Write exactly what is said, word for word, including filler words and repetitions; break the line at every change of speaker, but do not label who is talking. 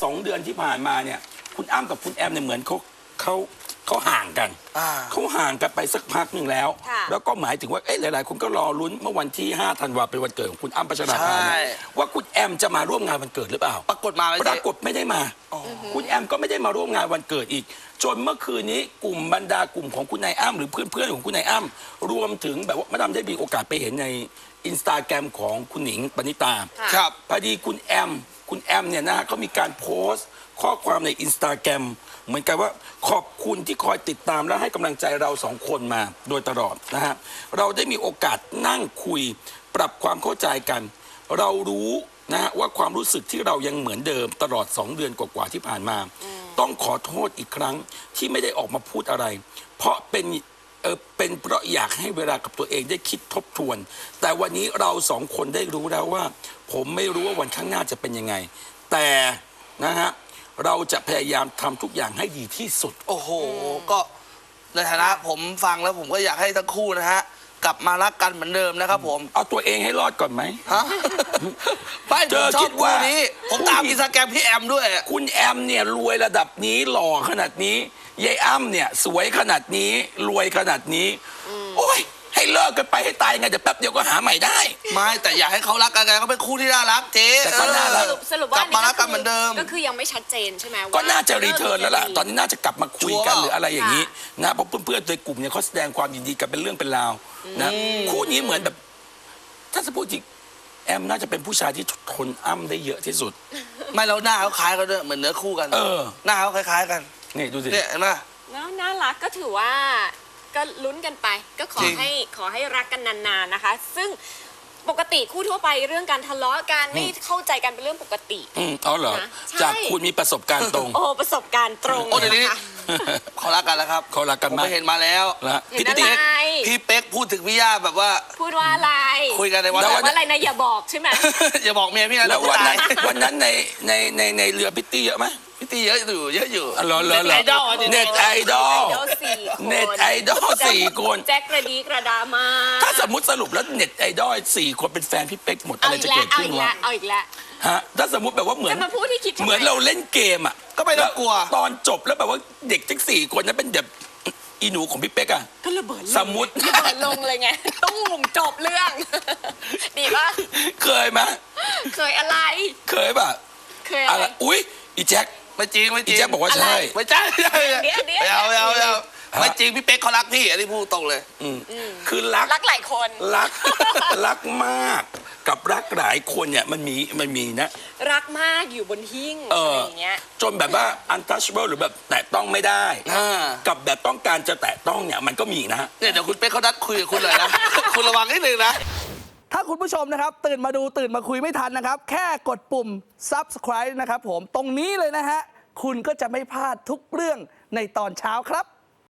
สองเดือนที่ผ่านมาเนี่ยคุณอ้ำกับคุณแอมเนี่ยเหมือนเขาเขาเขาห่างกันเขาห่างกันไปสักพักหนึ่งแล้ว แล้วก็หมายถึงว่าเอ๊ะหลายๆคนก็รอลุ้นเมื่อวันที่ห้าธันวาเป็นวันเกิดของคุณอ้ำพัชราภาว่าคุณแอมจะมาร่วมงานวันเกิดหรือเปล่า
ปรากฏมาไหม
ปรากฏไม่ได้มาคุณแอมก็ไม่ได้มาร่วมงานวันเกิดอีกจนเมื่อคืนนี้กลุ่มบรรดากลุ่มของคุณนายอ้ำหรือเพื่อนๆของคุณนายอ้ำรวมถึงแบบว่ามาดามได้มีโอกาสไปเห็นในอินสตาแกรมของคุณหนิงปณิตา
ครับ
พอดีคุณแอมคุณแอมเนี่ยนะเขามีการโพสต์ข้อความในอินสตาแกรมเหมือนกันว่าขอบคุณที่คอยติดตามและให้กำลังใจเราสองคนมาโดยตลอดนะฮะเราได้มีโอกาสนั่งคุยปรับความเข้าใจกัน เรารู้นะฮะว่าความรู้สึกที่เรายังเหมือนเดิมตลอดสองเดือนกว่าๆที่ผ่านมาต้องขอโทษอีกครั้งที่ไม่ได้ออกมาพูดอะไรเพราะเป็นเออเป็นเพราะอยากให้เวลากับตัวเองได้คิดทบทวนแต่วันนี้เราสองคนได้รู้แล้วว่าผมไม่รู้ว่าวันข้างหน้าจะเป็นยังไงแต่นะฮะเราจะพยายามทำทุกอย่างให้ดีที่สุด
โอ้โหก็ในฐานะผมฟังแล้วผมก็อยากให้ทั้งคู่นะฮะกลับมารักกันเหมือนเดิมนะครับผม
เอาตัวเองให้รอดก่อนไหม
ฮะไม่ผมชอบคู่นี้ผมตามอินสตาแกรมพี่แอมด้วย
คุณแอมเนี่ยรวยระดับนี้หล่อขนาดนี้ยายอ้ำเนี่ยสวยขนาดนี้รวยขนาดนี้โอ้ยให้เลิกกันไปให้ตายไงเดี๋ยวแป๊บเดียวก็หาใหม่ได้
ไม่แต่อยากให้เขารักกันไงเขาเป็นคู่ที่น่ารักเจ๊
แต่ก็น่ารัก
สรุปว่าก
ลับมารักกันเหมือนเดิม
ก็คือยังไม่ชัดเจนใช่ไหม
ก็น่าจะรีเทิร์นแล้วล่ะตอนนี้น่าจะกลับมาคุยกันหรืออะไรอย่างนี้นะเพราะเพื่อนๆในกลุ่มเนี่ยเขาแสดงความยินดีกันเป็นเรื่องเป็นราวนะคู่นี้เหมือนแบบถ้าจะพูดจริงแอมน่าจะเป็นผู้ชายที่ทนอ้ำได้เยอะที่สุด
ไม่แล้วหน้าเขาคล้ายกันด้วยเหมือนเนื้อคู่กันเออหน้าเขาคล้ายๆกัน
นี่ดูสิ
เนี่ยเห็นไหม
น่ารักก็ถือว่าก็ลุ้นกันไปก็ขอให้ขอให้รักกันนานๆนะคะซึ่งปกติคู่ทั่วไปเรื่องการทะเลาะกันไม่เข้าใจกันเป็นเรื่องปกติ
อืมอ๋อเหรอจากคุณมีประสบการณ์ตรง
โอ้ประสบการณ์ตรง
โอ้เดี๋ยวนี้เขารักกันแล้วครับ
เขารักกัน
มากเห็นมาแล้ว
พี่เป๊ก
พี่เป๊กพูดถึงพี่ย่าแบบว่า
พูดว่าอะไร
คุยกันในวัน
ว่าอะไรนะอย่าบอกใช่ไหม
อย่าบอกเมียพี่นะ
แล้ววันนั้นวันนั้นในในในในเรือพิตตี้เยอะไหม
พิตตี้เยอะอยู่เยอะอยู่
อ๋อเหรอเหรอเน็ตไอดอลเน็ตไอดอลเน็ตไอดอลสี่คน
แจ็คกระดีกระดามา
ถ้าสมมติสรุปแล้วเน็ตไอดอลสี่คนเป็นแฟนพี่เป๊กหมดอะไรจะเกิดขึ้นวะ
เอาอีกแล้ว
ฮะถ้าสมมติแบบว่าเหมือนเหมือนเราเล่นเกมอ่ะ
ก็ไม่ต้องกลัว
ตอนจบแล้วแบบว่าเด็กทั้งสี่คนนั้นเป็นแบบอีหนูของพี่เป๊กอะ
ก็ระเบิด
สมมติ
ระเบิดลงเลยไงต้องมุมจบเรื่องดีป่ะ
เคยไหม
เคยอะไร
เคยป่ะ
เคยอะไร
อุ้ยอีแจ็ค
ไม่จริงไม่จริง
อีแจ็คบอกว่าใช่
ไม่ใช่ไม่เอาไม่เอาไม่เอาไม่จริงพี่เป๊กเขารักพี่อันนี้พูดตรงเลย
คือรัก
รักหลายคน
รักรักมากกับรักหลายคนเนี่ยมันมีมันมีนะ
รักมากอยู่บนหิ้งอะไรอย่างเงี้ย
จนแบบว่า untouchable หรือแบบแตะต้องไม่ได้กับแบบต้องการจะแตะต้องเนี่ยมันก็มีนะ
เนี่ยเดี๋ยวคุณเป๊กเขานัดคุยกับคุณเลยนะคุณระวังนิดนึงนะถ้าคุณผู้ชมนะครับตื่นมาดูตื่นมาคุยไม่ทันนะครับแค่กดปุ่ม ซับสไครบ์ นะครับผมตรงนี้เลยนะฮะคุณก็จะไม่พลาดทุกเรื่องในตอนเช้าครับ